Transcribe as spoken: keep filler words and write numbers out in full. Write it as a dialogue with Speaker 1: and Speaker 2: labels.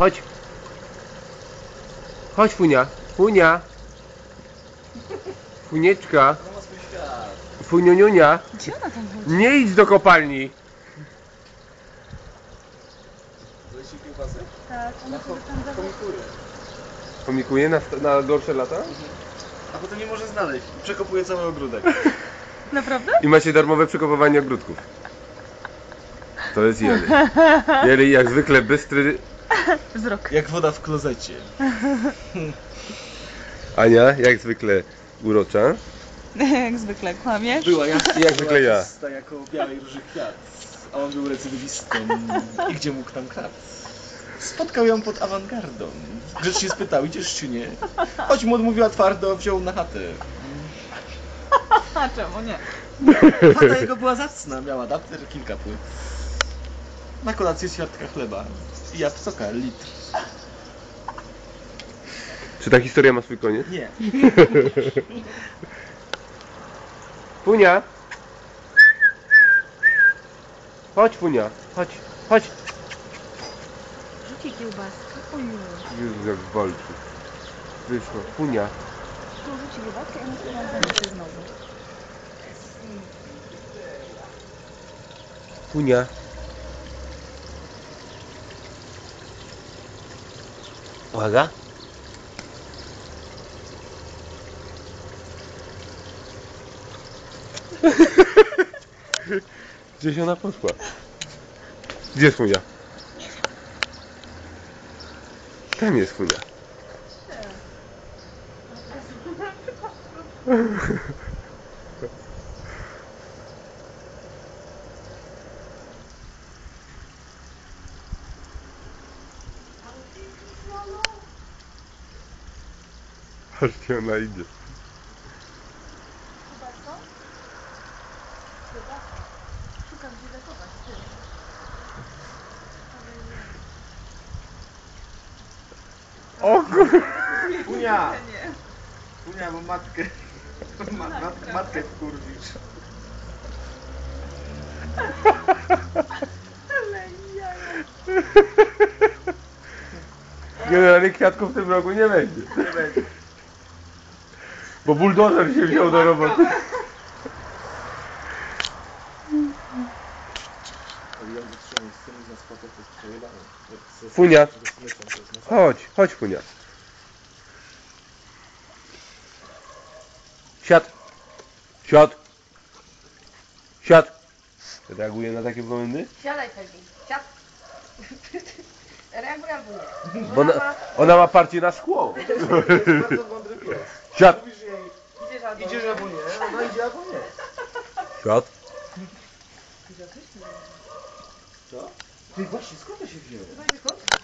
Speaker 1: Chodź. Chodź, Funia. Funia. Funieczka. Funiuniunia.
Speaker 2: Gdzie ona tam chodzi?
Speaker 1: Nie idź do kopalni.
Speaker 3: Leci kiełbasy?
Speaker 2: Tak, ona sobie tam zawoła.
Speaker 3: Komikuje.
Speaker 1: Komikuje na, na gorsze lata?
Speaker 3: A potem nie może znaleźć. Przekopuje cały ogródek.
Speaker 2: Naprawdę?
Speaker 1: I macie darmowe przekopywanie ogródków. To jest Jeli. Jeli jak zwykle bystry.
Speaker 2: Wzrok.
Speaker 3: Jak woda w klozecie.
Speaker 1: Ania jak zwykle urocza.
Speaker 2: Jak zwykle kłamiesz.
Speaker 3: Była ja.
Speaker 1: I jak zwykle ja.
Speaker 3: czysta jako białej róży kwiat. A on był recydywistą. I gdzie mógł tam krat? Spotkał ją pod awangardą. Grzecznie spytał, idziesz czy nie? Choć mu odmówiła twardo, wziął na chatę.
Speaker 2: A czemu nie?
Speaker 3: Chata jego była zacna, miała dater, kilka płyt. Na kolację ćwiartka chleba i jabłka litr.
Speaker 1: Czy ta historia ma swój koniec?
Speaker 3: Nie.
Speaker 1: Funia. Chodź, Funia. Chodź, chodź.
Speaker 2: Rzuci kiełbaskę. Oju.
Speaker 1: Jezu, jak walczy. Wyszło. Funia.
Speaker 2: Tu rzuci kiełbaskę i musi ją zamienić znowu.
Speaker 1: Funia. Uwaga. Gdzieś ona poszła? Gdzie jest Funia? Tam jest Funia. Patrzcie, ona idzie.
Speaker 2: Szukam gdzie zachować.
Speaker 1: O kur...
Speaker 3: Funia! Funia, bo matkę. Ma, mat, matkę wkurwisz.
Speaker 2: Ale jaja.
Speaker 1: Generalnie kwiatków w tym roku nie będzie.
Speaker 3: Nie będzie.
Speaker 1: Bo buldożer się wziął do roboty. Funia. Chodź, chodź Funia. Siad. Siad. Siad. Reaguje na takie komendy?
Speaker 4: Siadaj Fegi, siad. Reaguj albo nie.
Speaker 1: Bo ona, ona ma parcie na szkło.
Speaker 3: To jest bardzo mądry pies.
Speaker 1: Siad.
Speaker 3: Mówisz jej,
Speaker 4: Idziesz albo
Speaker 3: idziesz albo nie, ona idzie albo nie.
Speaker 1: Siad.
Speaker 3: Co? Ty właśnie, skąd to się wzięło?
Speaker 4: Skąd?